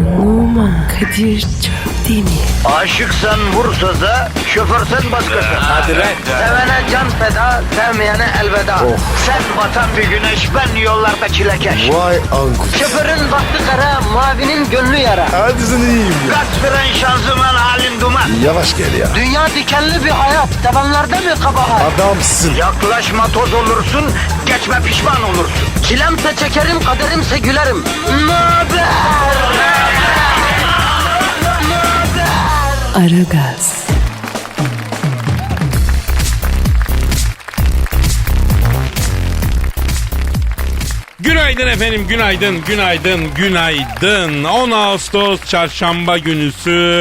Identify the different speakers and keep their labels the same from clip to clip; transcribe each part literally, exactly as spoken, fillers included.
Speaker 1: Numan Kadir Çöpdemir.
Speaker 2: Aşıksan vursa da, şoförsen başkasın.
Speaker 3: Hadi lan.
Speaker 2: Sevene can feda, sevmeyene elveda. Sen batan bir güneş, ben yollarda çilekeş.
Speaker 3: Vay anku.
Speaker 2: Şoförün baktı kara, mavinin gönlü yara.
Speaker 3: Hadi sen iyiyim ya.
Speaker 2: Kasperen şanzıman halin duman.
Speaker 3: Yavaş gel ya.
Speaker 2: Dünya dikenli bir hayat, sevenlerde mi kabahar?
Speaker 3: Adamsın.
Speaker 2: Yaklaşma toz olursun, geçme pişman olursun. Çilemse çekerim, kaderimse gülerim. Möber!
Speaker 1: Aragaz.
Speaker 4: Günaydın efendim, günaydın, günaydın, günaydın. on Ağustos çarşamba günüsü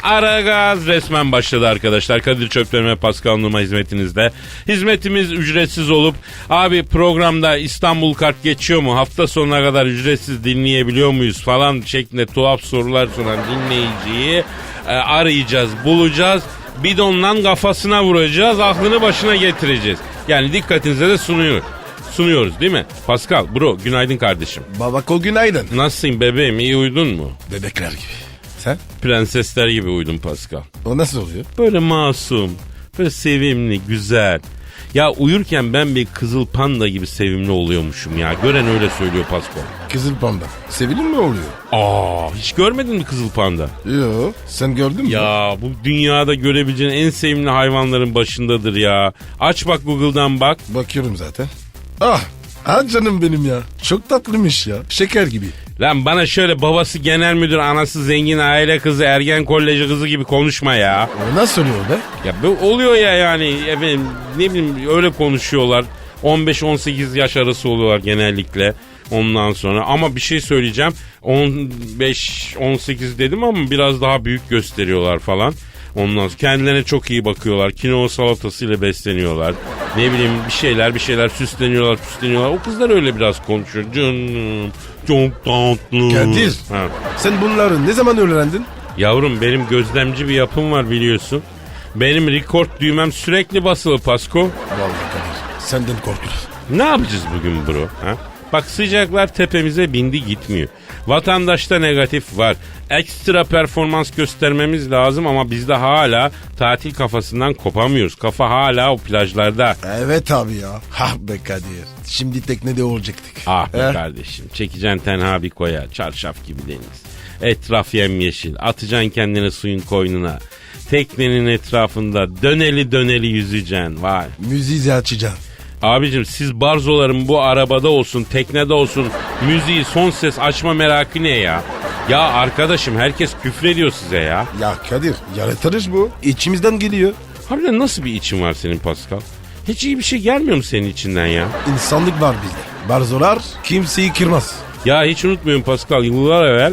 Speaker 4: Aragaz resmen başladı arkadaşlar. Kadir Çöpdemir ve Pascal Numa hizmetinizde. Hizmetimiz ücretsiz olup abi programda İstanbul kart geçiyor mu? Hafta sonuna kadar ücretsiz dinleyebiliyor muyuz falan şeklinde tuhaf sorular soran dinleyiciyi e, arayacağız, bulacağız. Bidonla kafasına vuracağız, aklını başına getireceğiz. Yani dikkatinize de sunuyor. Sunuyoruz değil mi? Pascal, bro, günaydın kardeşim.
Speaker 3: Babako günaydın.
Speaker 4: Nasılsın bebeğim, iyi uyudun mu?
Speaker 3: Bebekler gibi. Sen?
Speaker 4: Prensesler gibi uyudum Pascal.
Speaker 3: O nasıl oluyor?
Speaker 4: Böyle masum, böyle sevimli, güzel. Ya uyurken ben bir kızıl panda gibi sevimli oluyormuşum ya. Gören öyle söylüyor Pascal.
Speaker 3: Kızıl panda. Sevilir mi oluyor?
Speaker 4: Aa, hiç görmedin mi kızıl panda?
Speaker 3: Yo, sen gördün mü?
Speaker 4: Ya bu dünyada görebileceğin en sevimli hayvanların başındadır ya. Aç bak Google'dan bak.
Speaker 3: Bakıyorum zaten. Ah, ah canım benim ya. Çok tatlıymış ya. Şeker gibi.
Speaker 4: Lan bana şöyle babası genel müdür, anası zengin aile kızı, ergen koleji kızı gibi konuşma ya.
Speaker 3: O nasıl oluyor be?
Speaker 4: Ya bu oluyor ya yani efendim, ne bileyim öyle konuşuyorlar. on beş on sekiz yaş arası oluyorlar genellikle ondan sonra. Ama bir şey söyleyeceğim, on beş on sekiz dedim ama biraz daha büyük gösteriyorlar falan. Ondan sonra kendilerine çok iyi bakıyorlar. Kinoa salatasıyla besleniyorlar. Ne bileyim bir şeyler bir şeyler süsleniyorlar süsleniyorlar. O kızlar öyle biraz konuşuyor. Canım çok tatlı.
Speaker 3: Kadir.
Speaker 4: Ha.
Speaker 3: Sen bunları ne zaman öğrendin?
Speaker 4: Yavrum benim gözlemci bir yapım var biliyorsun. Benim rekord düğmem sürekli basılı Pasko.
Speaker 3: Vallahi Kadir. Senden korkulur.
Speaker 4: Ne yapacağız bugün bro? Ha? Bak sıcaklar tepemize bindi gitmiyor. Vatandaşta negatif var. Ekstra performans göstermemiz lazım ama biz de hala tatil kafasından kopamıyoruz. Kafa hala o plajlarda.
Speaker 3: Evet abi ya. Ha be Kadir. Şimdi teknede olacaktık.
Speaker 4: Ah be
Speaker 3: He?
Speaker 4: kardeşim. Çekeceksin tenha bir koya. Çarşaf gibi deniz. Etraf yemyeşil. Atacaksın kendini suyun koynuna. Teknenin etrafında döneli döneli yüzeceksin. Vay.
Speaker 3: Müziği açacaksın.
Speaker 4: Abicim siz barzoların bu arabada olsun, teknede olsun müziği son ses açma merakı ne ya? Ya arkadaşım herkes küfrediyor size ya.
Speaker 3: Ya Kadir yaratırız bu. İçimizden geliyor.
Speaker 4: Harbiden nasıl bir için var senin Pascal? Hiç iyi bir şey gelmiyor mu senin içinden ya?
Speaker 3: İnsanlık var bizde. Barzolar kimseyi kırmaz.
Speaker 4: Ya hiç unutmuyorum Pascal, yıllar evvel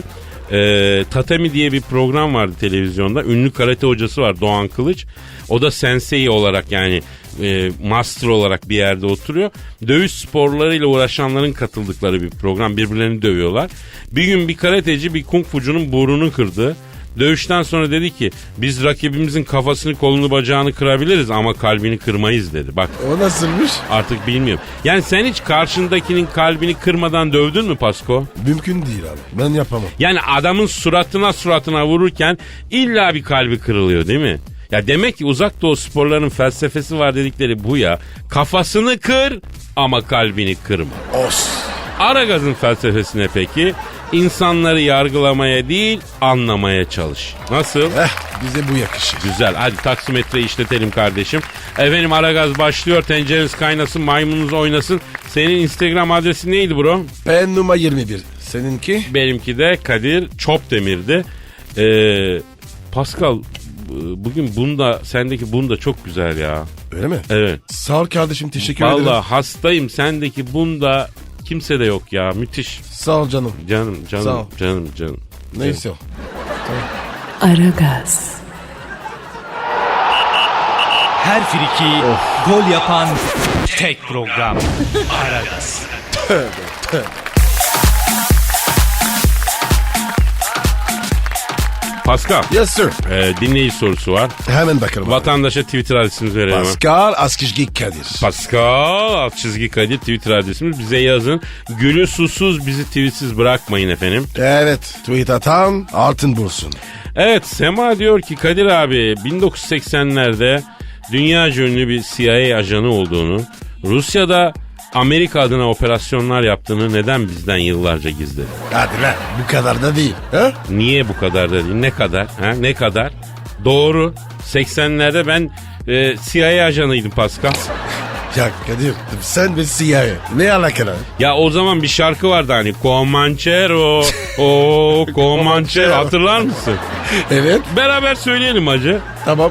Speaker 4: e, Tatami diye bir program vardı televizyonda. Ünlü karate hocası var Doğan Kılıç. O da sensei olarak yani e, master olarak bir yerde oturuyor. Dövüş sporlarıyla uğraşanların katıldıkları bir program. Birbirlerini dövüyorlar. Bir gün bir karateci bir kung fucunun burnunu kırdı. Dövüşten sonra dedi ki biz rakibimizin kafasını kolunu bacağını kırabiliriz ama kalbini kırmayız dedi. Bak
Speaker 3: O nasılmış?
Speaker 4: artık bilmiyorum. Yani sen hiç karşındakinin kalbini kırmadan dövdün mü Pasko?
Speaker 3: Mümkün değil abi. Ben yapamam.
Speaker 4: Yani adamın suratına suratına vururken illa bir kalbi kırılıyor değil mi? Ya demek ki uzak doğu sporlarının felsefesi var dedikleri bu ya. Kafasını kır ama kalbini kırma.
Speaker 3: Os.
Speaker 4: Aragaz'ın felsefesine peki? İnsanları yargılamaya değil anlamaya çalış. Nasıl?
Speaker 3: Eh bize bu yakışır.
Speaker 4: Güzel. Hadi taksimetreyi işletelim kardeşim. Efendim Aragaz başlıyor. Tencereniz kaynasın, maymununuz oynasın. Senin Instagram adresin neydi bro?
Speaker 3: Ben numara yirmi bir. Seninki?
Speaker 4: Benimki de Kadir Çopdemir'di. Ee, Pascal bugün bunda sendeki bunda çok güzel ya.
Speaker 3: Öyle mi?
Speaker 4: Evet.
Speaker 3: Sağ ol kardeşim, teşekkür ederim.
Speaker 4: Vallahi hastayım, sendeki bunda kimse de yok ya, müthiş.
Speaker 3: Sağ ol canım.
Speaker 4: Canım
Speaker 3: Sağ
Speaker 4: canım
Speaker 3: ol.
Speaker 4: canım canım.
Speaker 3: Neyse o.
Speaker 1: Aragaz.
Speaker 5: Her friki gol yapan tek program. Aragaz.
Speaker 4: Pascal,
Speaker 3: Yes sir.
Speaker 4: e, dinleyici sorusu var.
Speaker 3: Hemen bakalım.
Speaker 4: Vatandaşa Twitter adresimizi verelim.
Speaker 3: Pascal Askışgi Kadir.
Speaker 4: Pascal alt çizgi Kadir Twitter adresimiz. Bize yazın. Gülü susuz bizi tweetsiz bırakmayın efendim.
Speaker 3: Evet. Tweet atan altın bulsun.
Speaker 4: Evet, Sema diyor ki Kadir abi bin dokuz yüz seksenlerde dünyaca ünlü bir C I A ajanı olduğunu, Rusya'da Amerika adına operasyonlar yaptığını neden bizden yıllarca gizledi?
Speaker 3: Hadi lan, bu kadar da değil. Ha?
Speaker 4: Niye bu kadar da değil? Ne kadar? Ha? Ne kadar? Doğru. seksenlerde ben e, C I A ajanıydım Pascal.
Speaker 3: Ya Kadir sen ve C I A ne alakalı?
Speaker 4: Ya o zaman bir şarkı vardı hani Comanchero, o Comanchero, hatırlar mısın?
Speaker 3: Evet.
Speaker 4: Beraber söyleyelim hacı.
Speaker 3: Tamam.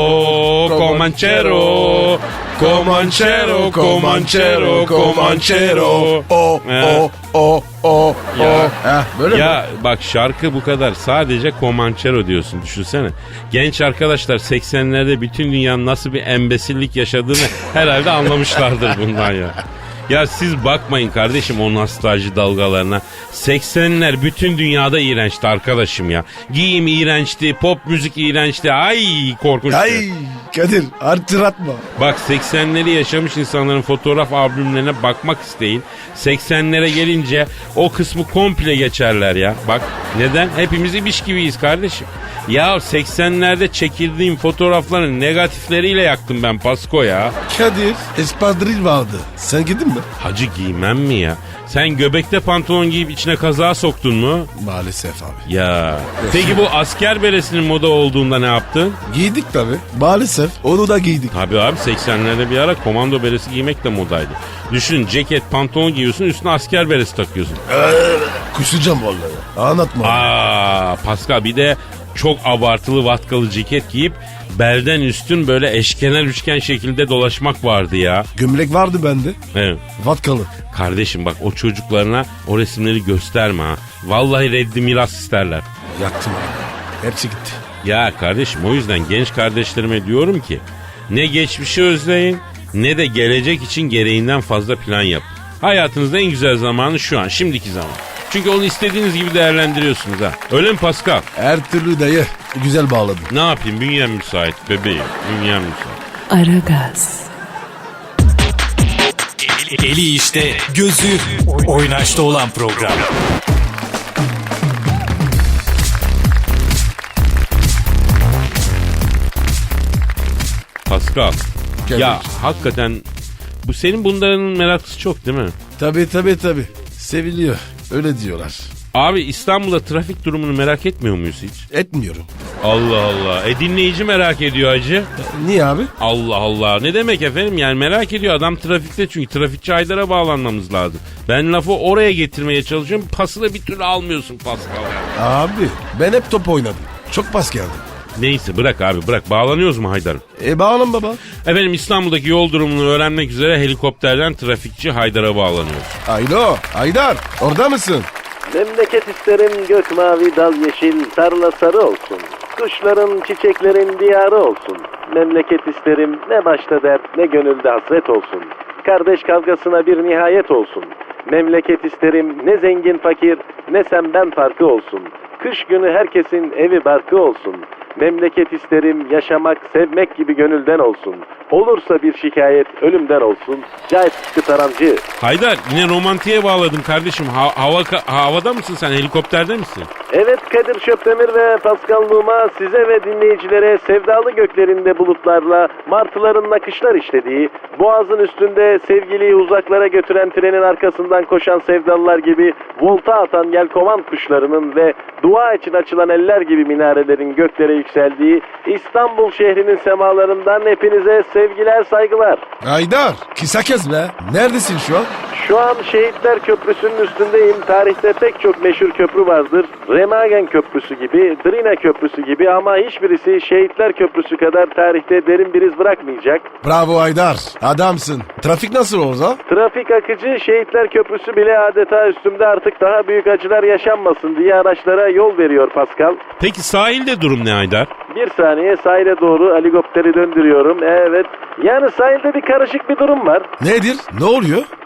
Speaker 4: O Comanchero, Comanchero, Comanchero, Comanchero.
Speaker 3: O o o o
Speaker 4: Ya.
Speaker 3: o. Ha, böyle mi?
Speaker 4: Ya bak şarkı bu kadar. Sadece Comanchero diyorsun, düşünsene. Genç arkadaşlar seksenlerde bütün dünyanın nasıl bir embesillik yaşadığını herhalde anlamışlardır bundan ya. Ya siz bakmayın kardeşim o nostalji dalgalarına. seksenler bütün dünyada iğrençti arkadaşım ya. Giyim iğrençti, pop müzik iğrençti. Ay korkunçtu.
Speaker 3: Ay Kadir artıratma.
Speaker 4: Bak seksenleri yaşamış insanların fotoğraf albümlerine bakmak isteyin. seksenlere gelince o kısmı komple geçerler ya. Bak neden? Hepimiz ibiş gibiyiz kardeşim. Ya seksenlerde çekildiğim fotoğrafların negatifleriyle yaktım ben Pasko ya.
Speaker 3: Kadir espadril vardı. Sen gidin mi?
Speaker 4: Hacı giymem mi ya? Sen göbekte pantolon giyip içine kazağı soktun mu?
Speaker 3: Maalesef abi.
Speaker 4: Ya. Peki bu asker beresinin moda olduğunda ne yaptın?
Speaker 3: Giydik tabii. Maalesef onu da giydik.
Speaker 4: Tabii abi seksenlerde bir ara komando beresi giymek de modaydı. Düşün ceket pantolon giyiyorsun üstüne asker beresi takıyorsun.
Speaker 3: Kusacağım vallahi. Anlatma.
Speaker 4: Aa Pascal bir de çok abartılı vatkalı ceket giyip belden üstün böyle eşkenar üçgen şekilde dolaşmak vardı ya.
Speaker 3: Gömlek vardı bende.
Speaker 4: Evet.
Speaker 3: Vatkalı.
Speaker 4: Kardeşim bak o çocuklarına o resimleri gösterme ha. Vallahi reddi miras isterler.
Speaker 3: Yaktım abi. Hepsi gitti.
Speaker 4: Ya kardeşim o yüzden genç kardeşlerime diyorum ki ne geçmişi özleyin ne de gelecek için gereğinden fazla plan yapın. Hayatınızda en güzel zamanı şu an, şimdiki zaman. Çünkü onu istediğiniz gibi değerlendiriyorsunuz ha. Öyle mi Pascal?
Speaker 3: Her türlü dayı güzel bağladın.
Speaker 4: Ne yapayım? Bünyem müsait bebeğim. Bünyem müsait.
Speaker 1: Aragaz,
Speaker 5: Eli işte, gözü oynaşta olan program.
Speaker 4: Pascal.
Speaker 3: Gel
Speaker 4: ya
Speaker 3: bakayım.
Speaker 4: hakikaten bu senin bunların meraklısı çok değil mi?
Speaker 3: Tabii tabii tabii. Seviliyor. Öyle diyorlar.
Speaker 4: Abi İstanbul'da trafik durumunu merak etmiyor muyuz hiç?
Speaker 3: Etmiyorum.
Speaker 4: Allah Allah. E dinleyici merak ediyor hacı.
Speaker 3: Niye abi?
Speaker 4: Allah Allah. Ne demek efendim? Yani merak ediyor adam trafikte çünkü trafikçi Haydar'a bağlanmamız lazım. Ben lafı oraya getirmeye çalışıyorum. Pası da bir türlü almıyorsun Pascal.
Speaker 3: Abi ben hep top oynadım. Çok pas geldi.
Speaker 4: Neyse bırak abi bırak. Bağlanıyoruz mu Haydar'ım?
Speaker 3: E bağlan baba.
Speaker 4: Efendim İstanbul'daki yol durumunu öğrenmek üzere helikopterden trafikçi Haydar'a bağlanıyoruz.
Speaker 3: Alo Haydar orada mısın?
Speaker 6: Memleket isterim gök mavi dal yeşil tarla sarı olsun. Kuşların çiçeklerin diyarı olsun. Memleket isterim ne başta dert ne gönülde hasret olsun. Kardeş kavgasına bir nihayet olsun. Memleket isterim ne zengin fakir ne sen ben farkı olsun. Kış günü herkesin evi barkı olsun. Memleket isterim yaşamak sevmek gibi gönülden olsun. Olursa bir şikayet ölümden olsun. Cahit Sıtkı Tarancı.
Speaker 4: Haydar yine romantiğe bağladım kardeşim. Ha- hava havada mısın sen, helikopterde misin?
Speaker 6: Evet Kadir Şöpdemir ve Pascal Numa size ve dinleyicilere sevdalı göklerinde bulutlarla martıların nakışlar işlediği, boğazın üstünde sevgiliyi uzaklara götüren trenin arkasından koşan sevdalılar gibi volta atan yelkovan kuşlarının ve dua için açılan eller gibi minarelerin göklere yükseldiği İstanbul şehrinin semalarından hepinize sevgiler saygılar.
Speaker 3: Haydar kısa kes be. Neredesin şu an?
Speaker 6: Şu an Şehitler Köprüsü'nün üstündeyim. Tarihte pek çok meşhur köprü vardır. Remagen Köprüsü gibi, Drina Köprüsü gibi ama hiçbirisi Şehitler Köprüsü kadar tarihte derin bir iz bırakmayacak.
Speaker 3: Bravo Haydar. Adamsın. Trafik nasıl orada?
Speaker 6: Trafik akıcı, Şehitler Köprüsü bile adeta üstümde artık daha büyük acılar yaşanmasın diye araçlara yol veriyor Pascal.
Speaker 4: Peki sahilde durum ne Haydar?
Speaker 6: Bir saniye sahile doğru helikopteri döndürüyorum. Evet. Yani sahilde bir karışık bir durum var.
Speaker 3: Nedir? Ne oluyor?
Speaker 6: Yaz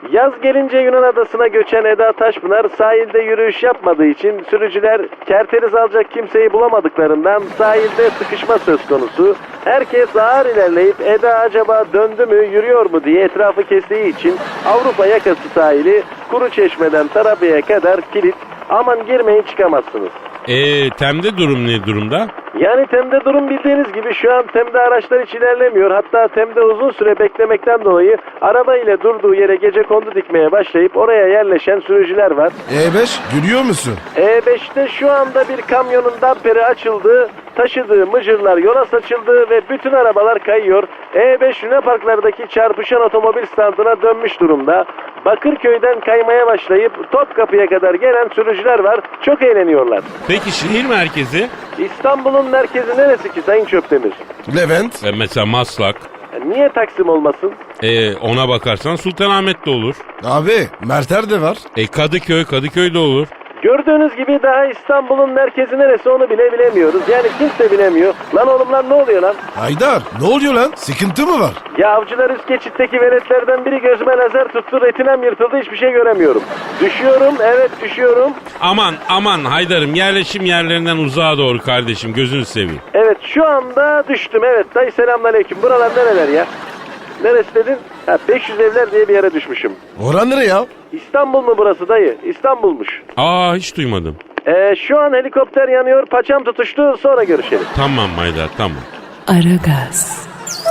Speaker 6: gelince Yunan adasına göçen Eda Taşpınar sahilde yürüyüş yapmadığı için sürücüler kerteriz alacak kimseyi bulamadıklarından sahilde sıkışma söz konusu. Herkes ağır ilerleyip Eda acaba döndü mü yürüyor mu diye etrafı kestiği için Avrupa yakası sahili Kuruçeşme'den Tarabya'ya kadar kilit. Aman girmeyin çıkamazsınız.
Speaker 4: Eee Tem'de durum ne durumda?
Speaker 6: Yani Tem'de durum bildiğiniz gibi şu an Tem'de araçlar hiç ilerlemiyor. Hatta Tem'de uzun süre beklemekten dolayı araba ile durduğu yere gecekondu dikmeye başlayıp oraya yerleşen sürücüler var.
Speaker 3: E beş görüyor musun?
Speaker 6: E beşte şu anda bir kamyonun damperi açıldı, taşıdığı mıcırlar yola saçıldı ve bütün arabalar kayıyor. E beş Luna Parklardaki çarpışan otomobil standına dönmüş durumda. Bakırköy'den kaymaya başlayıp Topkapı'ya kadar gelen sürücüler var. Çok eğleniyorlar.
Speaker 4: Peki şehir merkezi?
Speaker 6: İstanbul'un merkezi neresi ki Sayın Çöptemir?
Speaker 3: Levent.
Speaker 4: E, mesela Maslak.
Speaker 6: Niye Taksim olmasın?
Speaker 4: E, ona bakarsan Sultanahmet'te olur.
Speaker 3: Abi Merter de var.
Speaker 4: E, Kadıköy, Kadıköy'de olur.
Speaker 6: Gördüğünüz gibi daha İstanbul'un merkezi neresi onu bile bilemiyoruz. Yani kimse bilemiyor. Lan oğlum lan ne oluyor lan?
Speaker 3: Haydar ne oluyor lan? Sıkıntı mı var?
Speaker 6: Ya avcılar üst geçitteki veletlerden biri gözüme lazer tuttu. Retinem yırtıldı hiçbir şey göremiyorum. Düşüyorum evet düşüyorum.
Speaker 4: Aman aman Haydar'ım yerleşim yerlerinden uzağa doğru kardeşim gözünü seveyim.
Speaker 6: Evet şu anda düştüm evet. Dayı selamünaleyküm. Buralar nereler ya? Neresi dedin? Ha, beş yüz evler diye bir yere düşmüşüm.
Speaker 3: Oran nere ya?
Speaker 6: İstanbul mu burası dayı? İstanbul'muş.
Speaker 4: Aa hiç duymadım.
Speaker 6: Ee, şu an helikopter yanıyor. Paçam tutuştu. Sonra görüşelim.
Speaker 4: Tamam Haydar tamam.
Speaker 1: Aragaz,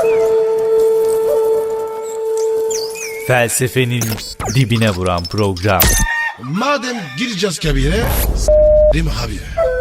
Speaker 5: Felsefenin dibine vuran program.
Speaker 3: Madem gireceğiz kabire, s***rim abi.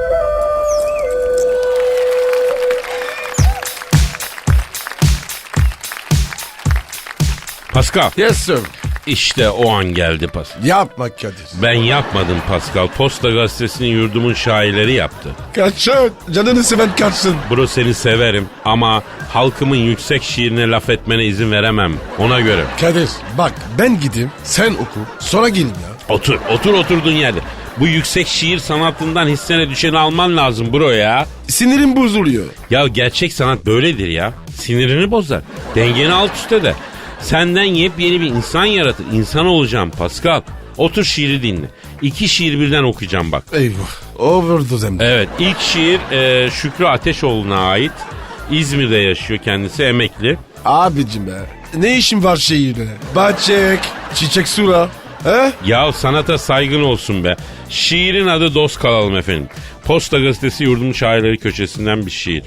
Speaker 4: Pascal
Speaker 3: Yes sir.
Speaker 4: işte o an geldi Pascal.
Speaker 3: Yapma Kadir.
Speaker 4: Ben yapmadım Pascal. Posta Gazetesi'nin yurdumun şairleri yaptı.
Speaker 3: Kaçın. Canını seven kaçsın.
Speaker 4: Bro seni severim ama halkımın yüksek şiirine laf etmene izin veremem. Ona göre.
Speaker 3: Kadir bak ben gideyim sen oku sonra gelin ya.
Speaker 4: Otur, otur oturduğun yerde. Bu yüksek şiir sanatından hissene düşeni alman lazım bro ya.
Speaker 3: Sinirim bozuluyor.
Speaker 4: Ya gerçek sanat böyledir ya. Sinirini bozar. Dengeni alt üst eder. Senden yepyeni bir insan yaratır. İnsan olacağım Pascal. Otur şiiri dinle. İki şiir birden okuyacağım bak.
Speaker 3: Eyvah. Overdose hem de.
Speaker 4: Evet ilk şiir e, Şükrü Ateşoğlu'na ait. İzmir'de yaşıyor kendisi emekli.
Speaker 3: Abicim be. Ne işin var şehirde? Bahçek, çiçek sura. He?
Speaker 4: Ya sanata saygın olsun be. Şiirin adı Dost Kalalım efendim. Posta Gazetesi yurdumun şairleri köşesinden bir şiir.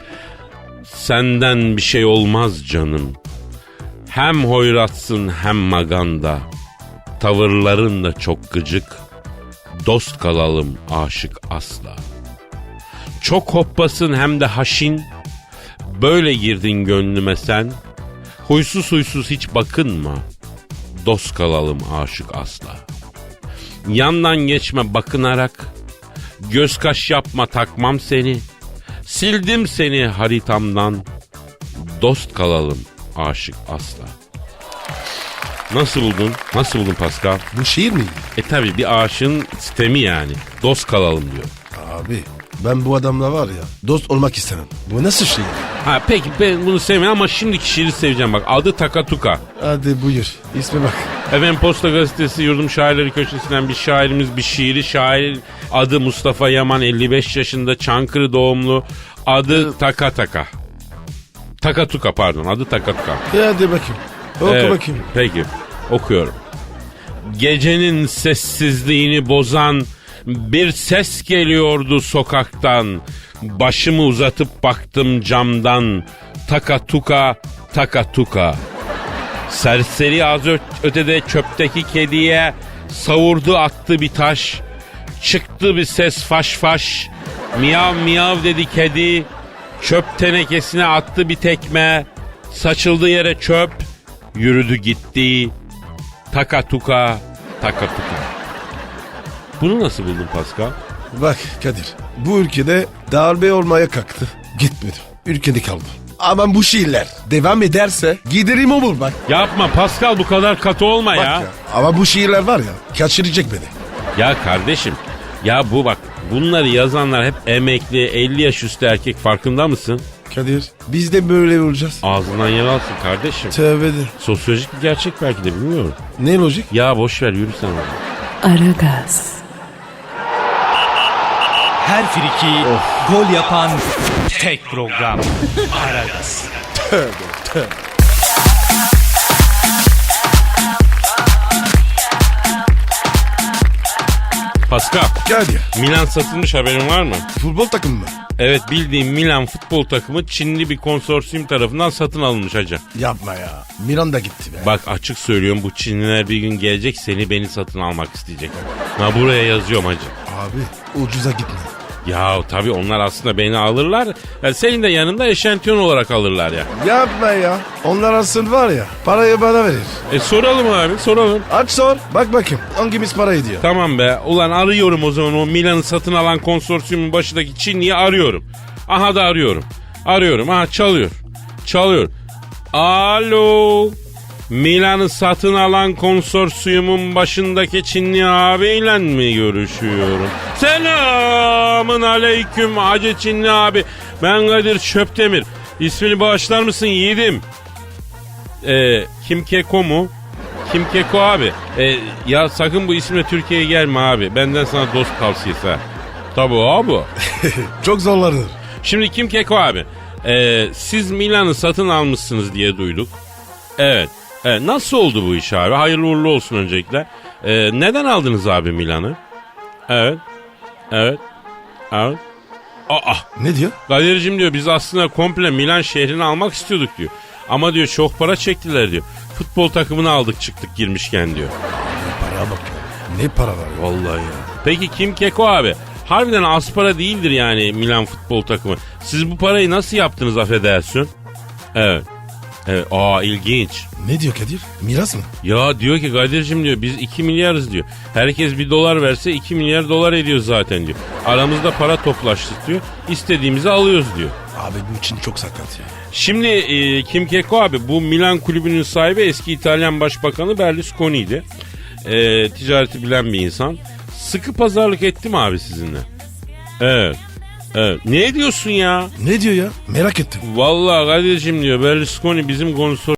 Speaker 4: Senden bir şey olmaz canım. Hem hoyratsın hem maganda. Tavırların da çok gıcık. Dost kalalım aşık asla. Çok hoppasın hem de haşin. Böyle girdin gönlüme sen. Huysuz huysuz hiç bakınma. Dost kalalım aşık asla. Yandan geçme bakınarak. Göz kaş yapma takmam seni. Sildim seni haritamdan. Dost kalalım aşık asla. Nasıl buldun? Nasıl buldun Pascal?
Speaker 3: Bu şiir mi?
Speaker 4: E tabi bir aşığın sistemi yani. Dost kalalım diyor.
Speaker 3: Abi ben bu adamla var ya dost olmak istemem. Bu nasıl şiir?
Speaker 4: Ha peki ben bunu sevmiyorum ama şimdiki şiiri seveceğim bak. Adı Takatuka.
Speaker 3: Hadi buyur. İsme bak.
Speaker 4: Efendim Posta Gazetesi yurdum şairleri köşesinden bir şairimiz bir şiiri. Şair adı Mustafa Yaman elli beş yaşında Çankırı doğumlu. Adı Takataka. Takatuka pardon adı Takatuka.
Speaker 3: E hadi bakayım. Oku
Speaker 4: Evet,
Speaker 3: bakayım.
Speaker 4: Peki okuyorum. Gecenin sessizliğini bozan bir ses geliyordu sokaktan. Başımı uzatıp baktım camdan. Takatuka, takatuka. Serseri az ö- ötede çöpteki kediye savurdu attı bir taş. Çıktı bir ses faş faş. Miyav miyav dedi kedi. Çöp tenekesine attı bir tekme. Saçıldı yere çöp. Yürüdü gitti. Takatuka, takatuka. Bunu nasıl buldun Pascal?
Speaker 3: Bak Kadir bu ülkede darbe olmaya kalktı. Gitmedi. Ülkede kaldı. Ama bu şiirler devam ederse giderim olur bak.
Speaker 4: Yapma Pascal bu kadar katı olma
Speaker 3: Bak
Speaker 4: ya.
Speaker 3: ya. Ama bu şiirler var ya kaçıracak beni.
Speaker 4: Ya kardeşim ya bu bak bunları yazanlar hep emekli elli yaş üstü erkek farkında mısın?
Speaker 3: Kadir biz de böyle olacağız.
Speaker 4: Ağzından yer alsın kardeşim.
Speaker 3: Tövbe de.
Speaker 4: Sosyolojik bir gerçek belki de bilmiyorum.
Speaker 3: Ne lojik?
Speaker 4: Ya boş ver yürü sen orada.
Speaker 1: Aragaz,
Speaker 5: Her friki gol yapan tek program. Aragaz.
Speaker 4: Pascal,
Speaker 3: Kadir
Speaker 4: Milan satılmış, haberin var mı?
Speaker 3: futbol takımı mı?
Speaker 4: Evet, bildiğim Milan futbol takımı Çinli bir konsorsiyum tarafından satın alınmış hacı.
Speaker 3: Yapma ya. Milan da gitti be.
Speaker 4: Bak açık söylüyorum, bu Çinliler bir gün gelecek seni beni satın almak isteyecek. Ha buraya yazıyorum hacı.
Speaker 3: Abi ucuza gitme.
Speaker 4: Ya tabii onlar aslında beni alırlar. Ya senin de yanında eşantiyon olarak alırlar ya.
Speaker 3: Yapma ya. Onlar aslında var ya parayı bana verir.
Speaker 4: E soralım abi, soralım.
Speaker 3: Aç sor. Bak bakayım hangimiz para ediyor.
Speaker 4: Tamam be. Ulan arıyorum o zaman o Milan'ı satın alan konsorsiyumun başındaki Çinli'yi arıyorum. Aha da arıyorum. Arıyorum. Aha çalıyor. Çalıyor. Alo. Milan'ı satın alan konsorsiyumun başındaki Çinli abiyle mi görüşüyorum? Selamın aleyküm Hacı Çinli abi. Ben Kadir Çöptemir. İsmini bağışlar mısın yiğidim? Ee, Kim Keko mu? Kim Keko abi? Ee, ya sakın bu isimle Türkiye'ye gelme abi. Benden sana dost tavsiyesi ha. Tabii abi.
Speaker 3: Çok zorlanır.
Speaker 4: Şimdi Kim Keko abi. Ee, siz Milan'ı satın almışsınız diye duyduk. Evet. Evet, nasıl oldu bu iş abi? Hayırlı uğurlu olsun öncelikle. Ee, neden aldınız abi Milan'ı? Evet. Evet. Evet. Aa,
Speaker 3: Ne diyor?
Speaker 4: Kadir'cim diyor biz aslında komple Milan şehrini almak istiyorduk diyor. Ama diyor çok para çektiler diyor. Futbol takımını aldık çıktık girmişken diyor.
Speaker 3: Paraya bak ya. Ne para var ya.
Speaker 4: Vallahi ya. Peki Kim Keko abi? Harbiden az para değildir yani Milan futbol takımı. Siz bu parayı nasıl yaptınız affedersin? Evet. Evet. Aa ilginç.
Speaker 3: Ne diyor Kadir? Miras mı?
Speaker 4: Ya diyor ki Kadir'cim diyor biz iki milyarız diyor. Herkes bir dolar verse iki milyar dolar ediyor zaten diyor. Aramızda para toplaştık diyor. İstediğimizi alıyoruz diyor.
Speaker 3: Abi bu için çok sakat ya.
Speaker 4: Şimdi e, Kim Keko abi bu Milan kulübünün sahibi eski İtalyan Başbakanı Berlusconi'ydi. E, ticareti bilen bir insan. Sıkı pazarlık etti mi abi sizinle? Evet. Evet. Ne diyorsun ya?
Speaker 3: Ne diyor ya? Merak ettim.
Speaker 4: Vallahi Kadir'cim diyor Berlusconi bizim konsor